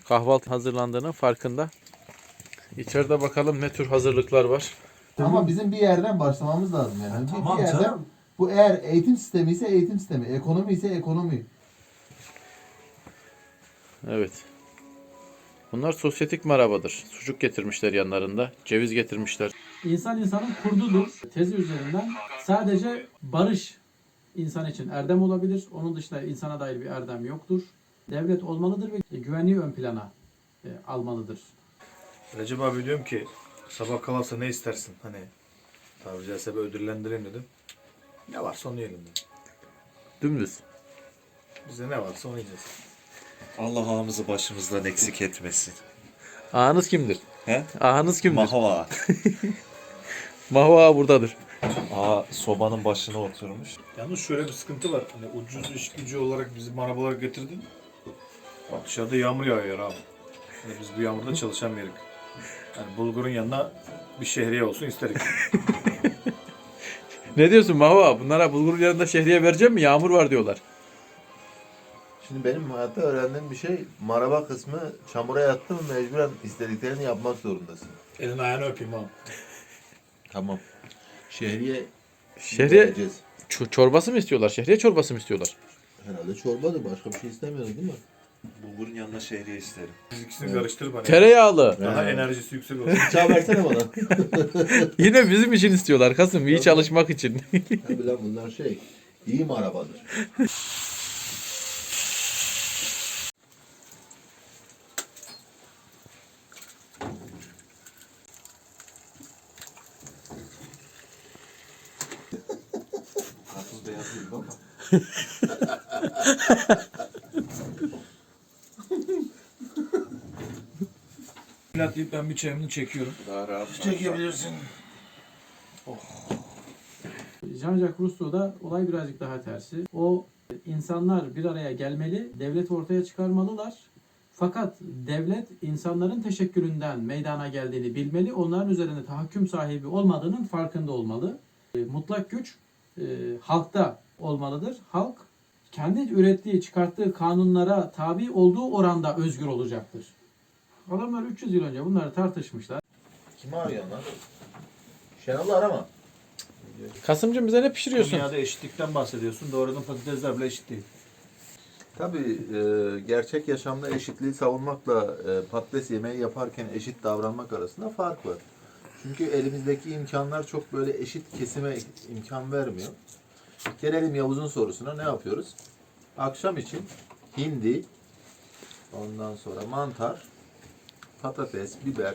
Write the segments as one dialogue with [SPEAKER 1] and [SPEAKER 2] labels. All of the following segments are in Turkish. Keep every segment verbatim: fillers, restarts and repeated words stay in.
[SPEAKER 1] kahvaltı hazırlandığının farkında. İçeride bakalım ne tür hazırlıklar var.
[SPEAKER 2] Ama bizim bir yerden başlamamız lazım yani.
[SPEAKER 3] Ha,
[SPEAKER 2] Bir-
[SPEAKER 3] tamam
[SPEAKER 2] bir yerden,
[SPEAKER 3] canım.
[SPEAKER 2] bu eğer eğitim sistemi ise eğitim sistemi, ekonomi ise ekonomi.
[SPEAKER 1] Evet. Bunlar sosyetik marabadır. Sucuk getirmişler yanlarında. Ceviz getirmişler.
[SPEAKER 4] İnsan insanın kurdudur tezi üzerinden sadece barış insan için erdem olabilir. Onun dışında insana dair bir erdem yoktur. Devlet olmalıdır ve güvenliği ön plana e, almalıdır.
[SPEAKER 3] Recep abi diyorum ki sabah kalırsa ne istersin? Hani tabiri caizse bir ödüllendireyim dedim. Ne varsa onu yiyelim dedim.
[SPEAKER 1] Dümdüz.
[SPEAKER 3] Bize ne varsa onu yiyeceğiz.
[SPEAKER 5] Allah ağamızı başımızdan eksik etmesin.
[SPEAKER 1] Ağanız kimdir?
[SPEAKER 5] He?
[SPEAKER 1] Ağanız kimdir?
[SPEAKER 5] Mahva.
[SPEAKER 1] Mahu ağa buradadır.
[SPEAKER 5] Ağa sobanın başına oturmuş.
[SPEAKER 3] Yalnız şöyle bir sıkıntı var. Hani ucuz iş gücü olarak bizi arabalar getirdin. Bak dışarıda yağmur yağıyor abi. Hani biz bu yağmurda çalışamayız. Yani bulgurun yanına bir şehriye olsun isterik.
[SPEAKER 1] Ne diyorsun Mahu ağa? Bunlara bulgurun yanında şehriye vereceğim mi? Yağmur var diyorlar.
[SPEAKER 2] Şimdi benim hayatta öğrendiğim bir şey, maraba kısmı çamura yattı mı mecburen istediklerini yapmak zorundasın.
[SPEAKER 3] Elini ayağını öpeyim abi.
[SPEAKER 2] Tamam. Şehriye
[SPEAKER 1] Şehriye
[SPEAKER 2] vereceğiz.
[SPEAKER 1] ç- çorbası mı istiyorlar? Şehriye çorbası mı istiyorlar?
[SPEAKER 2] Herhalde çorbadır, başka bir şey istemiyoruz değil mi?
[SPEAKER 5] Bulgurun yanına şehriye isterim.
[SPEAKER 3] Biz ikisini karıştırıp hani
[SPEAKER 1] Tereyağlı.
[SPEAKER 3] daha
[SPEAKER 2] He.
[SPEAKER 3] enerjisi yüksek olsun.
[SPEAKER 2] Çağ versene bana.
[SPEAKER 1] Yine bizim için istiyorlar Kasım. İyi çalışmak için.
[SPEAKER 2] Tabii lan bunlar şey, iyi marabadır.
[SPEAKER 5] Karpuz beyaz değil baba.
[SPEAKER 3] Pilat deyip ben bir çayımını çekiyorum.
[SPEAKER 5] Daha rahat.
[SPEAKER 3] Çekebilirsin.
[SPEAKER 4] Jean-Jacques Rousseau'da olay birazcık daha tersi. O insanlar bir araya gelmeli, devleti ortaya çıkarmalılar. Fakat devlet insanların teşekkülünden meydana geldiğini bilmeli, onların üzerinde tahakküm sahibi olmadığının farkında olmalı. E, Mutlak güç e, halkta olmalıdır. Halk kendi ürettiği, çıkarttığı kanunlara tabi olduğu oranda özgür olacaktır. Adamlar üç yüz yıl önce bunları tartışmışlar.
[SPEAKER 2] Kimi arıyorsun lan? Şenol'u arama.
[SPEAKER 1] Kasımcığım bize ne pişiriyorsun?
[SPEAKER 3] Dünyada eşitlikten bahsediyorsun. Doğrudan patatesler bile eşit değil.
[SPEAKER 2] Tabii e, gerçek yaşamda eşitliği savunmakla e, patates yemeği yaparken eşit davranmak arasında fark var. Çünkü elimizdeki imkanlar çok böyle eşit kesime imkan vermiyor. Gelelim Yavuz'un sorusuna, ne yapıyoruz? Akşam için hindi, ondan sonra mantar, patates, biber,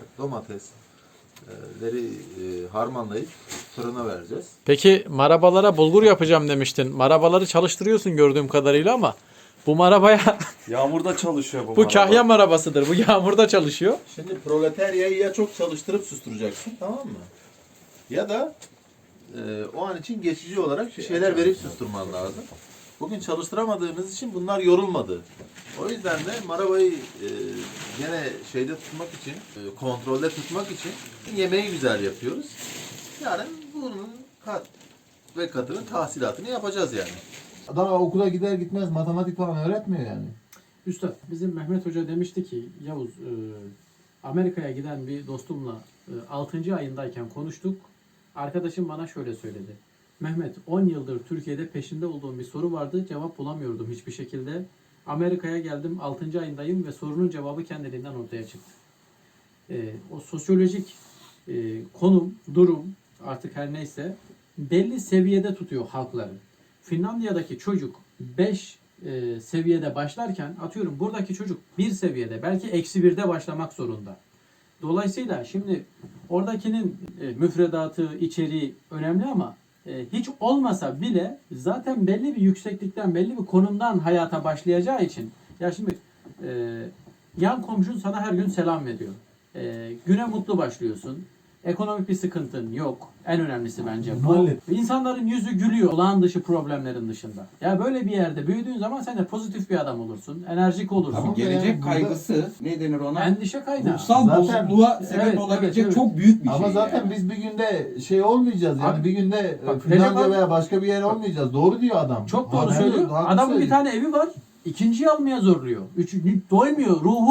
[SPEAKER 2] domatesleri e, harmanlayıp fırına vereceğiz.
[SPEAKER 1] Peki marabalara bulgur yapacağım demiştin. Marabaları çalıştırıyorsun gördüğüm kadarıyla ama bu marabaya
[SPEAKER 5] Yağmurda çalışıyor bu
[SPEAKER 1] bu
[SPEAKER 5] maraba.
[SPEAKER 1] kahya marabasıdır. Bu yağmurda çalışıyor.
[SPEAKER 2] Şimdi proletaryayı ya çok çalıştırıp susturacaksın, tamam mı? Ya da e, o an için geçici olarak bir şeyler verip susturman lazım. Bugün çalıştıramadığımız için bunlar yorulmadı. O yüzden de marabayı e, gene şeyde tutmak için, e, kontrolde tutmak için yemeği güzel yapıyoruz. Yarın bunun kat ve katının tahsilatını yapacağız yani. Daha okula gider gitmez matematik falan öğretmiyor yani.
[SPEAKER 4] Üstad, bizim Mehmet Hoca demişti ki, Yavuz, e, Amerika'ya giden bir dostumla e, altıncı ayındayken konuştuk. Arkadaşım bana şöyle söyledi. Mehmet, on yıldır Türkiye'de peşinde olduğum bir soru vardı. Cevap bulamıyordum hiçbir şekilde. Amerika'ya geldim, altıncı ayındayım ve sorunun cevabı kendiliğinden ortaya çıktı. E, o sosyolojik e, konum, durum artık her neyse belli seviyede tutuyor halkları. Finlandiya'daki çocuk beş e, seviyede başlarken atıyorum buradaki çocuk bir seviyede belki eksi birde başlamak zorunda. Dolayısıyla şimdi oradakinin e, müfredatı, içeriği önemli ama e, hiç olmasa bile zaten belli bir yükseklikten, belli bir konumdan hayata başlayacağı için ya şimdi e, yan komşun sana her gün selam veriyor. E, güne mutlu başlıyorsun. Ekonomik bir sıkıntın yok. En önemlisi bence bu.
[SPEAKER 3] Hallet.
[SPEAKER 4] İnsanların yüzü gülüyor olağan dışı problemlerin dışında. Ya böyle bir yerde büyüdüğün zaman sen de pozitif bir adam olursun. Enerjik olursun.
[SPEAKER 2] Tamam.
[SPEAKER 6] Gelecek
[SPEAKER 2] Yani burada-
[SPEAKER 6] kaygısı ne denir ona?
[SPEAKER 4] Endişe kaynağı.
[SPEAKER 6] Ruhsal
[SPEAKER 2] Zaten-
[SPEAKER 6] bozukluğa sebep
[SPEAKER 4] Evet,
[SPEAKER 6] olabilecek
[SPEAKER 4] evet, evet.
[SPEAKER 6] çok büyük bir
[SPEAKER 2] Ama
[SPEAKER 6] şey.
[SPEAKER 2] zaten
[SPEAKER 6] yani.
[SPEAKER 2] biz bir günde şey olmayacağız yani
[SPEAKER 4] Abi,
[SPEAKER 2] bir günde
[SPEAKER 4] bak,
[SPEAKER 2] e, Finlandiya
[SPEAKER 4] Recep
[SPEAKER 2] veya başka bir yer olmayacağız. Doğru diyor adam.
[SPEAKER 4] Çok doğru
[SPEAKER 2] Haklı,
[SPEAKER 4] söylüyor.
[SPEAKER 2] haklı
[SPEAKER 4] Adamın bir
[SPEAKER 2] söylüyor.
[SPEAKER 4] tane evi var. İkinciyi almaya zorluyor. Üçüncü doymuyor. Ruhu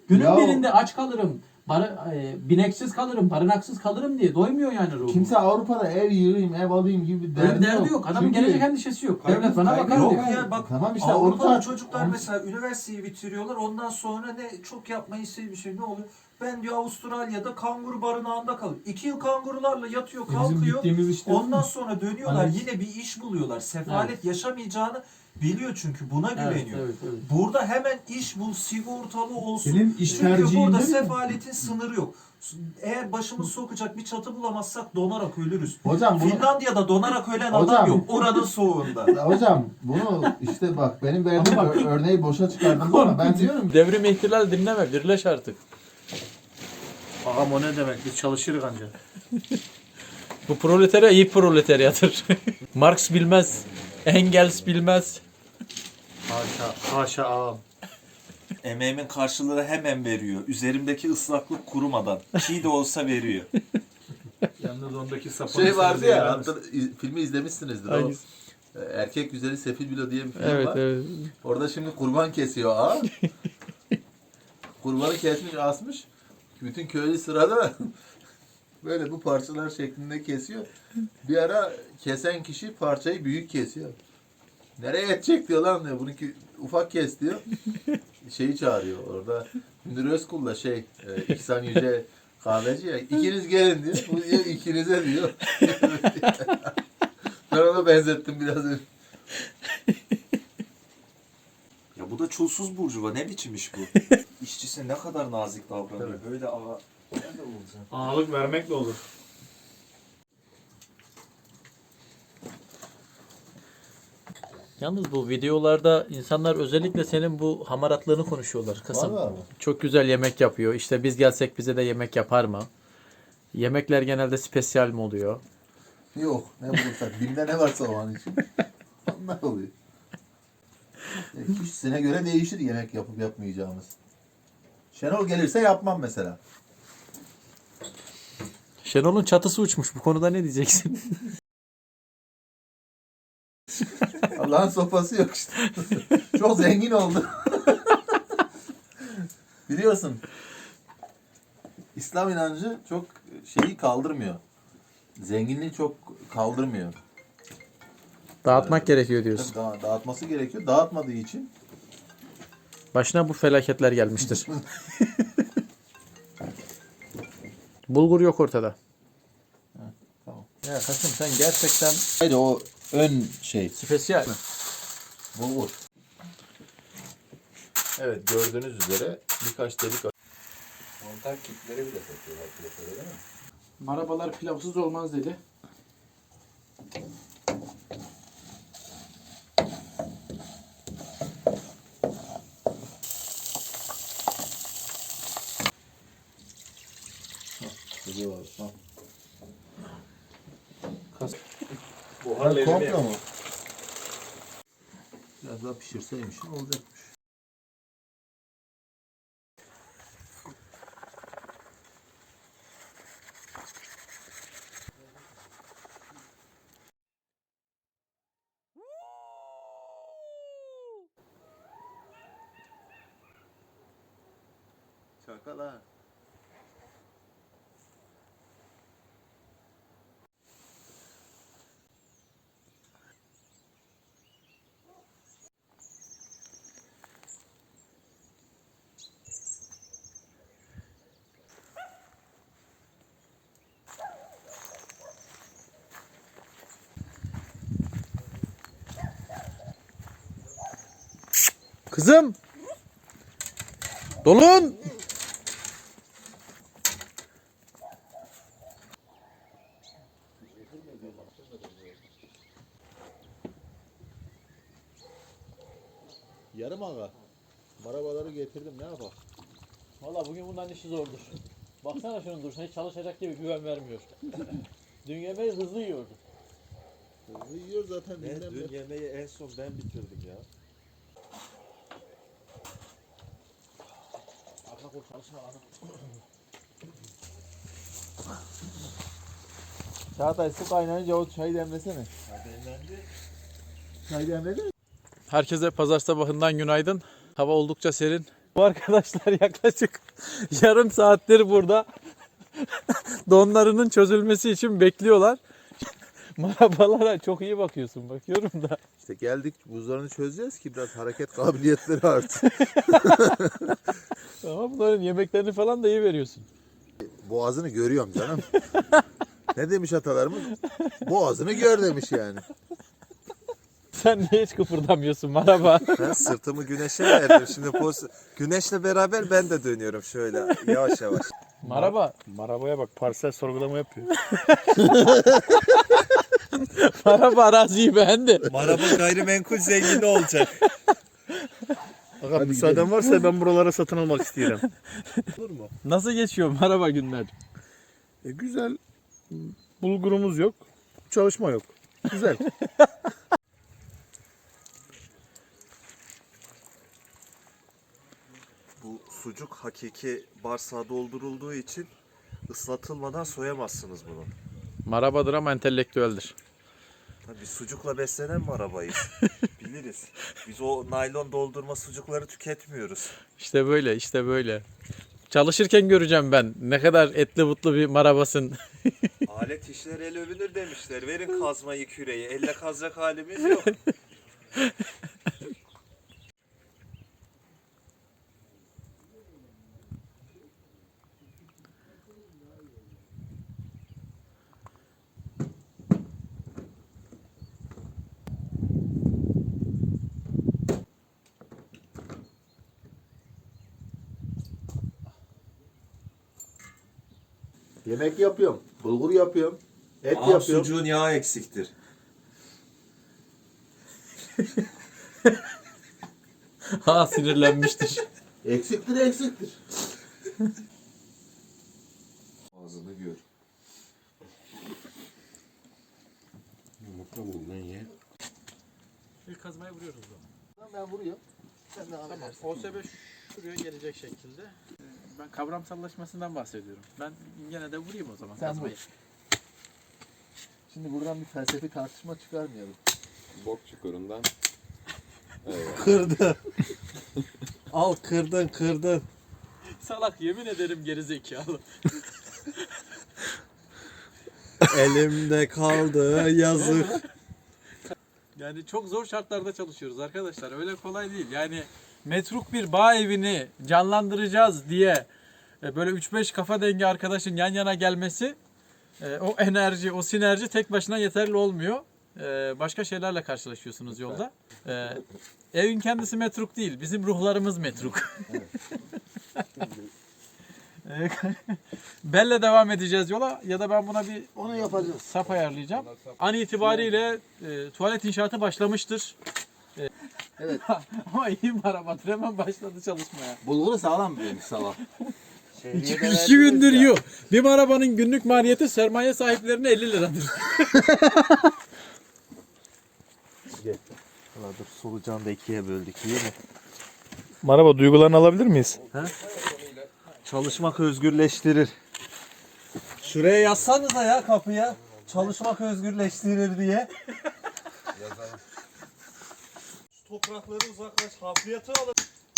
[SPEAKER 4] Günün
[SPEAKER 2] Ya-
[SPEAKER 4] birinde aç kalırım, bar- e, bineksiz kalırım, barınaksız kalırım diye doymuyor yani ruhu.
[SPEAKER 2] Kimse Avrupa'da ev yığayım, ev alayım gibi bir
[SPEAKER 4] Öyle
[SPEAKER 2] derdi,
[SPEAKER 4] bir derdi yok. Adamın
[SPEAKER 2] Çünkü-
[SPEAKER 4] gelecek endişesi yok.
[SPEAKER 3] Kaygı-
[SPEAKER 4] Devlet bana
[SPEAKER 2] kaygı
[SPEAKER 4] bakar
[SPEAKER 2] yok
[SPEAKER 4] diyor.
[SPEAKER 6] Yok ya bak
[SPEAKER 2] Tamam işte onu
[SPEAKER 6] Avrupa'da
[SPEAKER 2] tar-
[SPEAKER 6] çocuklar
[SPEAKER 2] onu-
[SPEAKER 6] mesela üniversiteyi bitiriyorlar ondan sonra ne çok yapmayı istediği bir şey ne oluyor? Ben diyor Avustralya'da kanguru barınağında kalıyor. İki yıl kangurularla yatıyor
[SPEAKER 4] Bizim
[SPEAKER 6] kalkıyor.
[SPEAKER 4] gittiğimiz işte.
[SPEAKER 6] Ondan sonra dönüyorlar
[SPEAKER 4] Aynen.
[SPEAKER 6] yine bir iş buluyorlar. Sefalet yaşamayacağını biliyor çünkü buna
[SPEAKER 4] Evet,
[SPEAKER 6] güveniyor.
[SPEAKER 4] evet, evet.
[SPEAKER 6] Burada hemen iş bul, sigortalı olsun.
[SPEAKER 3] Senin iş
[SPEAKER 6] Çünkü
[SPEAKER 3] tercihin
[SPEAKER 6] burada
[SPEAKER 3] değil mi?
[SPEAKER 6] sefaletin sınırı yok. Eğer başımız sokacak bir çatı bulamazsak donarak ölürüz.
[SPEAKER 2] Hocam bunu
[SPEAKER 6] Finlandiya'da donarak ölen
[SPEAKER 2] Hocam.
[SPEAKER 6] adam yok. Oranın soğuğunda.
[SPEAKER 2] Ya hocam bunu işte bak benim verdiğim
[SPEAKER 4] Ama bak-
[SPEAKER 2] ör- örneği boşa çıkardınız ama ben diyorum ki
[SPEAKER 1] Devrim ihtilal dinleme, birleş artık.
[SPEAKER 3] Ağam o ne demek? Biz çalışırız ancak.
[SPEAKER 1] Bu proletarya iyi proletaryadır. Marx bilmez, Engels bilmez.
[SPEAKER 3] Haşa, haşa ağam.
[SPEAKER 5] Emeğimin karşılığını hemen veriyor. Üzerimdeki ıslaklık kurumadan. Çiğ de olsa veriyor.
[SPEAKER 3] Yalnız ondaki sapını
[SPEAKER 2] şey vardı
[SPEAKER 3] sen
[SPEAKER 2] ya
[SPEAKER 3] de
[SPEAKER 2] hatta iz- filmi izlemişsinizdir o.
[SPEAKER 1] Hangisi?
[SPEAKER 2] e, Erkek Güzeli Sefil Bilo diye bir film
[SPEAKER 1] Evet,
[SPEAKER 2] var.
[SPEAKER 1] evet.
[SPEAKER 2] Orada şimdi kurban kesiyor ağa. Kurbanı kesmiş asmış. Bütün köylü sırada böyle bu parçalar şeklinde kesiyor. Bir ara kesen kişi parçayı büyük kesiyor. Nereye edecek diyor lan diyor. Bununki ufak kes diyor. Şeyi çağırıyor orada. Münir Özkul'la şey e, İhsan Yüce kahveci ya. İkiniz gelin diyor. Bu diyor ikinize diyor. Ben ona benzettim biraz önce.
[SPEAKER 5] Ya bu da çulsuz burjuva. Ne biçim iş bu? İşçisi ne kadar nazik davranıyor. Böyle ağa... Nerede olacak?
[SPEAKER 3] ağalık vermek de olur.
[SPEAKER 1] Yalnız bu videolarda insanlar özellikle senin bu hamaratlığını konuşuyorlar. Kısım.
[SPEAKER 2] Vallahi mi?
[SPEAKER 1] Çok güzel yemek yapıyor. İşte biz gelsek bize de yemek yapar mı? Yemekler genelde spesiyal mi oluyor?
[SPEAKER 2] Yok. Ne bulursak. Binde ne varsa o an için. Onlar oluyor. E, kişisine göre değişir yemek yapıp yapmayacağımız. Şenol gelirse yapmam mesela.
[SPEAKER 1] Şenol'un çatısı uçmuş. Bu konuda ne diyeceksin?
[SPEAKER 2] Allah'ın sopası yok işte. Çok zengin oldu. Biliyorsun. İslam inancı çok şeyi kaldırmıyor. Zenginliği çok kaldırmıyor.
[SPEAKER 1] Dağıtmak gerekiyor diyorsun.
[SPEAKER 2] Da- dağıtması gerekiyor. Dağıtmadığı için
[SPEAKER 1] Başına bu felaketler gelmiştir. Bulgur yok ortada.
[SPEAKER 2] tamam.
[SPEAKER 1] Ya Kasım sen gerçekten
[SPEAKER 2] Haydi o ön şey.
[SPEAKER 1] spesiyal.
[SPEAKER 2] Bulgur. Evet gördüğünüz üzere birkaç delik montaj kitleri bile satıyorlar piyasada değil mi?
[SPEAKER 4] Marabalar pilavsız olmaz dedi.
[SPEAKER 2] Geliyor abi. Tamam.
[SPEAKER 3] Buharla elini
[SPEAKER 2] Komple
[SPEAKER 3] yap.
[SPEAKER 2] mu? Biraz daha pişirseymişim olacakmış. Çakal ha.
[SPEAKER 1] Kızım! Dolun!
[SPEAKER 2] Yarım ağa. Marabaları getirdim ne yapalım?
[SPEAKER 1] Valla bugün bundan işi zordur. Baksana şunun duruşuna hiç çalışacak gibi güven vermiyor. Dün yemeği hızlı yiyordu.
[SPEAKER 2] Hızlı yiyor zaten.
[SPEAKER 5] Ben
[SPEAKER 2] dinlen
[SPEAKER 5] dün
[SPEAKER 2] bir-
[SPEAKER 5] yemeği en son ben bitirdim ya.
[SPEAKER 1] Arka kol çalışma lazım.
[SPEAKER 2] Çağatay su kaynayınca o çayı demlesene. Çay demledin mi?
[SPEAKER 1] Herkese pazar sabahından günaydın. Hava oldukça serin. Bu arkadaşlar yaklaşık yarım saattir burada donlarının çözülmesi için bekliyorlar. Marabalara çok iyi bakıyorsun, bakıyorum da.
[SPEAKER 2] İşte geldik buzlarını çözeceğiz ki biraz hareket kabiliyetleri artsın.
[SPEAKER 1] Ama bunların yemeklerini falan da iyi veriyorsun.
[SPEAKER 2] Boğazını görüyorum canım. Ne demiş atalarımız? Boğazını gör demiş yani.
[SPEAKER 1] Sen niye hiç kıpırdamıyorsun maraba?
[SPEAKER 5] Ben sırtımı güneşe verdim. Şimdi poz... Güneşle beraber ben de dönüyorum şöyle yavaş yavaş.
[SPEAKER 1] Maraba.
[SPEAKER 3] Marabaya bak, parsel sorgulama yapıyor.
[SPEAKER 1] Maraba araziyi beğendi.
[SPEAKER 5] Maraba gayrimenkul zengini olacak.
[SPEAKER 3] Aga müsaaden varsa ben buralara satın almak istiyorum.
[SPEAKER 2] Olur mu?
[SPEAKER 1] Nasıl geçiyor maraba günler?
[SPEAKER 3] E, güzel. Bulgurumuz yok. Çalışma yok. Güzel.
[SPEAKER 5] Bu sucuk hakiki bağırsağa doldurulduğu için ıslatılmadan soyamazsınız bunu.
[SPEAKER 1] Marabadır ama entelektüeldir.
[SPEAKER 5] Tabii sucukla beslenen mi arabayız? Biliriz. Biz o naylon doldurma sucukları tüketmiyoruz.
[SPEAKER 1] İşte böyle, işte böyle. Çalışırken göreceğim ben ne kadar etli butlu bir marabasın.
[SPEAKER 5] Alet işler el övünür demişler. Verin kazmayı küreği. Elle kazacak halimiz yok.
[SPEAKER 2] Yemek yapıyorum. Bulgur yapıyorum. Et
[SPEAKER 5] Aa,
[SPEAKER 2] yapıyorum.
[SPEAKER 5] sucuğun yağı eksiktir.
[SPEAKER 1] Ha sinirlenmiştir.
[SPEAKER 2] Eksiktir eksiktir.
[SPEAKER 5] Ağzını gör.
[SPEAKER 2] Yumurta bul lan ye.
[SPEAKER 1] İlk kazmayı vuruyoruz o.
[SPEAKER 2] Ben vuruyorum. Sen de
[SPEAKER 1] Tamam. O S B şuraya gelecek şekilde. Ben kavramsallaşmasından bahsediyorum. Ben gene de vurayım o zaman
[SPEAKER 2] Sen
[SPEAKER 1] kazmayı.
[SPEAKER 2] vur. Şimdi buradan bir felsefi tartışma çıkarmayalım.
[SPEAKER 7] Bok çukurundan.
[SPEAKER 5] Kırdın. Al kırdın kırdın.
[SPEAKER 1] Salak yemin ederim geri zekalı.
[SPEAKER 5] Elimde kaldı yazık.
[SPEAKER 1] Yani çok zor şartlarda çalışıyoruz arkadaşlar. Öyle kolay değil. Yani metruk bir bağ evini canlandıracağız diye e, böyle üç beş kafa dengi arkadaşın yan yana gelmesi, e, o enerji, o sinerji tek başına yeterli olmuyor. E, Başka şeylerle karşılaşıyorsunuz yolda. E, Evin kendisi metruk değil. Bizim ruhlarımız metruk. E, Belle devam edeceğiz yola ya da ben buna bir
[SPEAKER 2] Onu yapacağız.
[SPEAKER 1] sap ayarlayacağım. An itibariyle e, tuvalet inşaatı başlamıştır. E,
[SPEAKER 2] Evet.
[SPEAKER 1] Ama iyi marabadır, hemen başladı çalışmaya.
[SPEAKER 2] Bulguru sağlam bir sağlam.
[SPEAKER 1] İki, iki gündür yiyor. Bir marabanın günlük maliyeti sermaye sahiplerine elli liradır.
[SPEAKER 5] Valla dur solucanı da ikiye böldük iyi mi?
[SPEAKER 3] Maraba, duygularını alabilir miyiz?
[SPEAKER 5] Çalışmak özgürleştirir. Şuraya yazsanıza ya kapıya. Çalışmak özgürleştirir diye.
[SPEAKER 7] Yazalım.
[SPEAKER 5] Şu toprakları uzaklaş. Hafriyatı alın.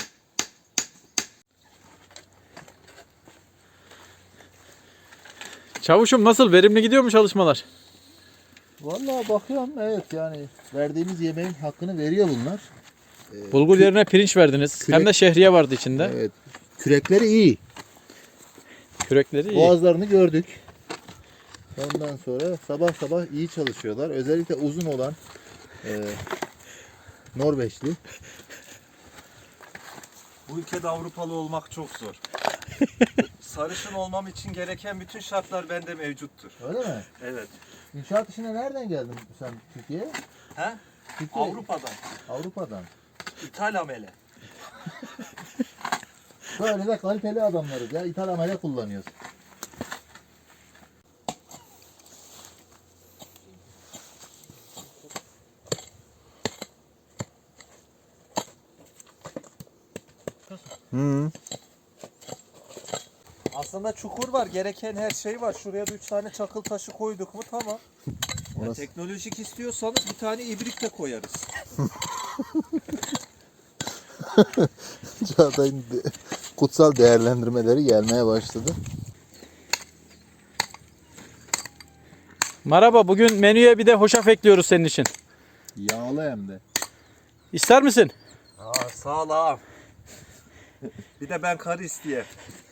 [SPEAKER 1] Çavuşum nasıl? Verimli gidiyor mu çalışmalar?
[SPEAKER 2] Vallahi bakıyorum evet yani verdiğimiz yemeğin hakkını veriyor bunlar. Ee,
[SPEAKER 1] Bulgur
[SPEAKER 2] kü-
[SPEAKER 1] yerine pirinç verdiniz.
[SPEAKER 2] kürek-
[SPEAKER 1] Hem de şehriye vardı içinde.
[SPEAKER 2] Evet. Kürekleri iyi.
[SPEAKER 1] Kürekleri iyi.
[SPEAKER 2] Boğazlarını gördük. Ondan sonra sabah sabah iyi çalışıyorlar. Özellikle uzun olan e, Norveçli.
[SPEAKER 5] Bu ülkede Avrupalı olmak çok zor. Sarışın olmam için gereken bütün şartlar bende mevcuttur.
[SPEAKER 2] Öyle mi?
[SPEAKER 5] Evet.
[SPEAKER 2] İnşaat işine nereden geldin sen Türkiye'ye?
[SPEAKER 5] He?
[SPEAKER 2] Türkiye,
[SPEAKER 5] Avrupa'dan.
[SPEAKER 2] Avrupa'dan.
[SPEAKER 5] İthal amele.
[SPEAKER 2] Böyle de kaliteli adamlarız ya. İthal amele kullanıyoruz.
[SPEAKER 5] Hı. Aslında çukur var. Gereken her şey var. Şuraya da üç tane çakıl taşı koyduk mu tamam. Ya
[SPEAKER 2] Orası-
[SPEAKER 5] teknolojik istiyorsanız bir tane ibrik de koyarız.
[SPEAKER 2] Çağatay'ın de- kutsal değerlendirmeleri gelmeye başladı.
[SPEAKER 1] Merhaba, bugün menüye bir de hoşaf ekliyoruz senin için.
[SPEAKER 2] Yağlı hem de.
[SPEAKER 1] İster misin?
[SPEAKER 5] Aa, sağ ol ağam. Bir de ben karı isteyeyim.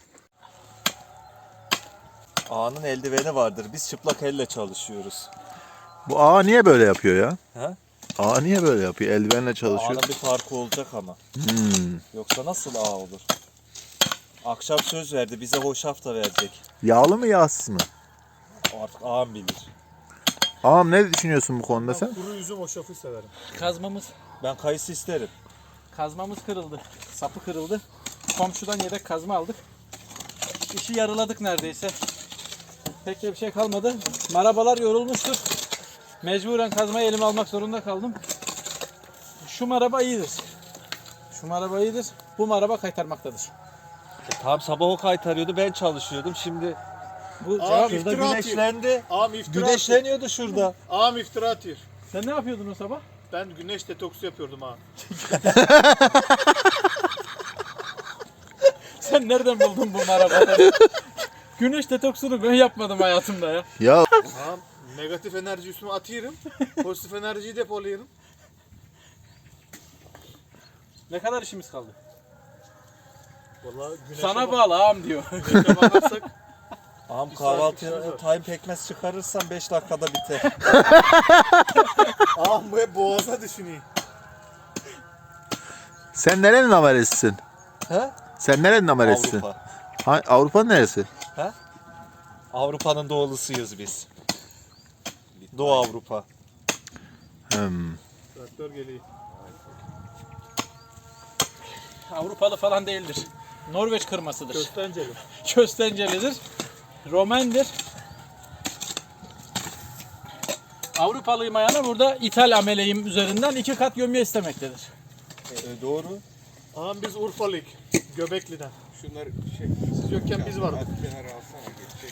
[SPEAKER 5] Ağanın eldiveni vardır. Biz çıplak elle çalışıyoruz.
[SPEAKER 2] Bu ağa niye böyle yapıyor ya?
[SPEAKER 5] He?
[SPEAKER 2] Ağa niye böyle yapıyor? Eldivenle çalışıyor.
[SPEAKER 5] Ağanın bir farkı olacak ama.
[SPEAKER 2] Hmm.
[SPEAKER 5] Yoksa nasıl ağa olur? Akşam söz verdi. Bize hoşaf da verecek.
[SPEAKER 2] Yağlı mı yağsız mı?
[SPEAKER 5] Artık ağam bilir.
[SPEAKER 2] Ağam ne düşünüyorsun bu konuda sen?
[SPEAKER 3] Kuru üzüm hoşafı severim.
[SPEAKER 1] Kazmamız
[SPEAKER 5] Ben kayısı isterim.
[SPEAKER 1] kazmamız kırıldı. Sapı kırıldı. Komşudan yedek kazma aldık. İşi yarıladık neredeyse. Pek de bir şey kalmadı. Marabalar yorulmuştur. Mecburen kazmayı elime almak zorunda kaldım. Şu maraba iyidir. Şu maraba iyidir. Bu maraba kaytarmaktadır.
[SPEAKER 5] E, tam sabah o kaytarıyordu. Ben çalışıyordum. Şimdi
[SPEAKER 1] Bu
[SPEAKER 3] Aa,
[SPEAKER 1] cevap.
[SPEAKER 3] bir-
[SPEAKER 5] şurada
[SPEAKER 3] İftira
[SPEAKER 5] güneşlendi.
[SPEAKER 3] Ağam iftira
[SPEAKER 5] Güneşleniyordu şurada.
[SPEAKER 3] Ağam iftira atıyor.
[SPEAKER 1] Sen ne yapıyordun o sabah?
[SPEAKER 3] Ben güneş detoksu yapıyordum ağam.
[SPEAKER 1] Sen nereden buldun bu marabaları? Güneş detoksunu ben yapmadım hayatımda ya.
[SPEAKER 2] Ya
[SPEAKER 3] Ağam negatif enerji üstüme atıyorum. Pozitif enerjiyi depoluyorum.
[SPEAKER 1] Ne kadar işimiz kaldı?
[SPEAKER 3] Vallahi güneşe
[SPEAKER 1] Sana
[SPEAKER 3] bak-
[SPEAKER 1] bağlı ağam diyor.
[SPEAKER 3] güneşe bakarsak
[SPEAKER 5] Ağam
[SPEAKER 3] Bir
[SPEAKER 5] kahvaltıya
[SPEAKER 3] saatlik işimiz
[SPEAKER 5] time pekmez çıkarırsan beş dakikada biter.
[SPEAKER 3] ağam bu hep boğaza düşünüyor.
[SPEAKER 2] sen nerenin amelesisin?
[SPEAKER 5] He?
[SPEAKER 2] Sen nerenin amelesisin?
[SPEAKER 5] Avrupa.
[SPEAKER 2] Ha, Avrupa'nın neresi?
[SPEAKER 5] Avrupa'nın doğulısıyız biz. Doğu Avrupa.
[SPEAKER 2] Hmm.
[SPEAKER 3] Traktör geliyor.
[SPEAKER 1] Avrupalı falan değildir. Norveç kırmasıdır.
[SPEAKER 3] Köstenceli.
[SPEAKER 1] Köstencelidir. Romendir. Avrupalıyım ayağına burada İthal ameleyim üzerinden iki kat gömye istemektedir.
[SPEAKER 5] E, doğru.
[SPEAKER 3] Ağam biz Urfalıyık. Göbekli'den.
[SPEAKER 7] Şunlar şey,
[SPEAKER 3] Siz yokken biz vardık.
[SPEAKER 7] kenara alsana geçecek.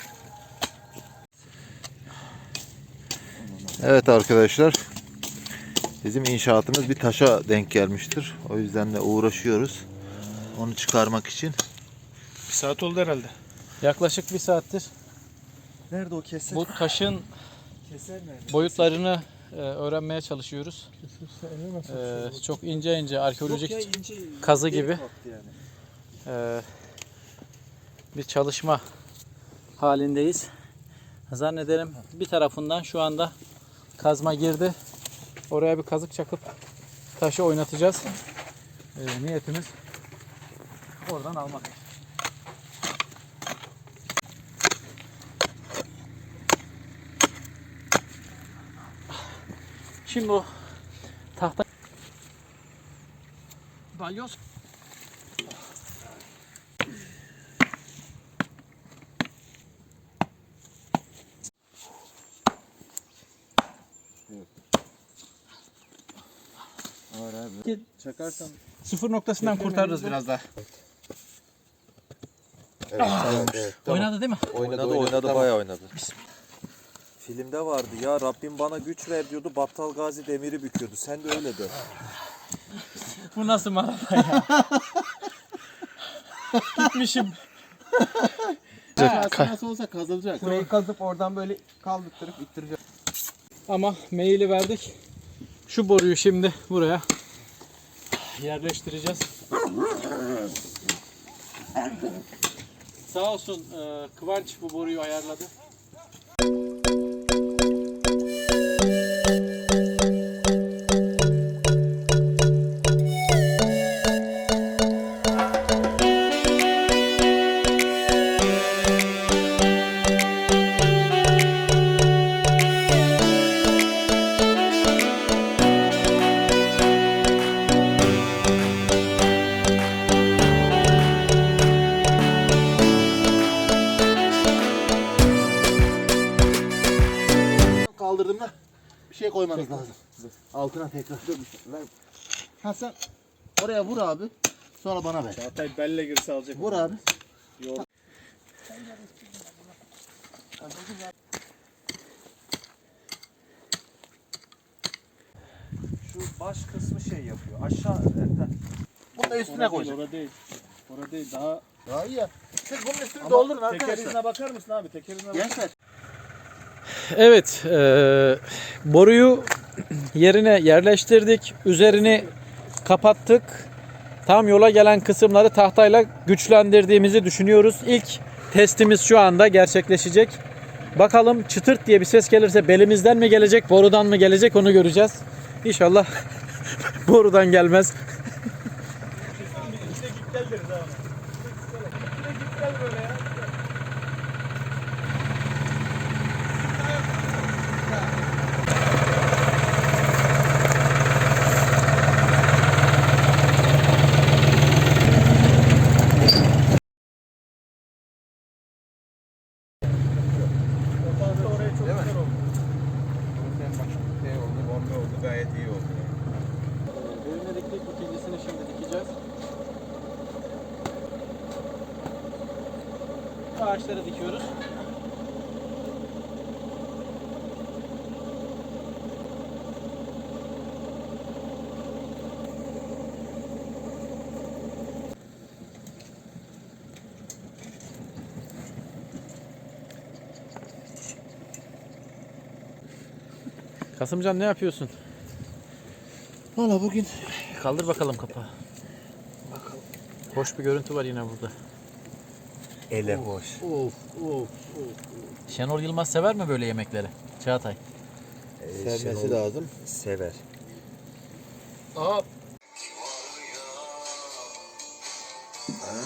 [SPEAKER 2] Evet arkadaşlar. Bizim inşaatımız bir taşa denk gelmiştir. O yüzden de uğraşıyoruz. Onu çıkarmak için.
[SPEAKER 3] Bir saat oldu herhalde.
[SPEAKER 1] Yaklaşık bir saattir
[SPEAKER 5] Nerede o keser?
[SPEAKER 1] bu taşın
[SPEAKER 5] keser nerede?
[SPEAKER 1] boyutlarını e, öğrenmeye çalışıyoruz. E, çok ince ince arkeolojik
[SPEAKER 5] Yok ya, ince,
[SPEAKER 1] kazı
[SPEAKER 5] delik
[SPEAKER 1] gibi.
[SPEAKER 5] baktı yani.
[SPEAKER 1] e, bir çalışma halindeyiz. Zannederim bir tarafından şu anda kazma girdi. Oraya bir kazık çakıp taşı oynatacağız. E, niyetimiz oradan almak. Şimdi o tahta balyoz
[SPEAKER 7] Çakarsan
[SPEAKER 1] sıfır noktasından kurtarırız biraz daha.
[SPEAKER 2] Evet, tamam.
[SPEAKER 7] evet,
[SPEAKER 1] Oynadı değil mi?
[SPEAKER 5] Oynadı oynadı, bayağı oynadı. Filmde vardı ya, Rabbim bana güç ver diyordu, Battal Gazi demiri büküyordu. Sen de öyle de.
[SPEAKER 1] Bu nasıl maraba ya? Gitmişim.
[SPEAKER 2] Nasıl olsa kazılacak.
[SPEAKER 7] burayı kazıp oradan böyle kaldırtırıp ittireceğiz.
[SPEAKER 1] Ama maili verdik. Şu boruyu şimdi buraya yerleştireceğiz. Sağ olsun e, Kıvanç bu boruyu ayarladı.
[SPEAKER 2] Kaldırdığımda bir şey koymanız lazım. Altına tekrar. Ver. Ha sen oraya vur abi. Sonra bana ver.
[SPEAKER 3] Çağatay belle girse alacak.
[SPEAKER 2] Vur abi.
[SPEAKER 5] Şu baş kısmı şey yapıyor. Aşağı Ertan.
[SPEAKER 2] da üstüne koyacak.
[SPEAKER 3] Orada değil. Orada değil. Daha
[SPEAKER 2] Daha iyi ya. Siz bunun üstünü doldurun
[SPEAKER 3] teker
[SPEAKER 2] arkadaşlar.
[SPEAKER 3] izine bakar mısın abi? Teker izine bakar
[SPEAKER 2] Gençler.
[SPEAKER 1] Evet, e, boruyu yerine yerleştirdik. Üzerini kapattık. Tam yola gelen kısımları tahtayla güçlendirdiğimizi düşünüyoruz. İlk testimiz şu anda gerçekleşecek. Bakalım çıtırt diye bir ses gelirse belimizden mi gelecek, borudan mı gelecek onu göreceğiz. İnşallah borudan gelmez.
[SPEAKER 7] Sen bak şey oldu, bombe oldu, gayet iyi oldu.
[SPEAKER 1] Birine diktik, ikincisini şimdi dikeceğiz. Ağaçları dikiyoruz. Kasımcan ne yapıyorsun?
[SPEAKER 2] Valla bugün
[SPEAKER 1] Kaldır bakalım kapağı. Bakalım. Hoş bir görüntü var yine burada.
[SPEAKER 5] Ele boş.
[SPEAKER 1] Of of of. Şenol Yılmaz sever mi böyle yemekleri? Çağatay.
[SPEAKER 2] sevmesi lazım.
[SPEAKER 5] Sever.
[SPEAKER 2] Aha.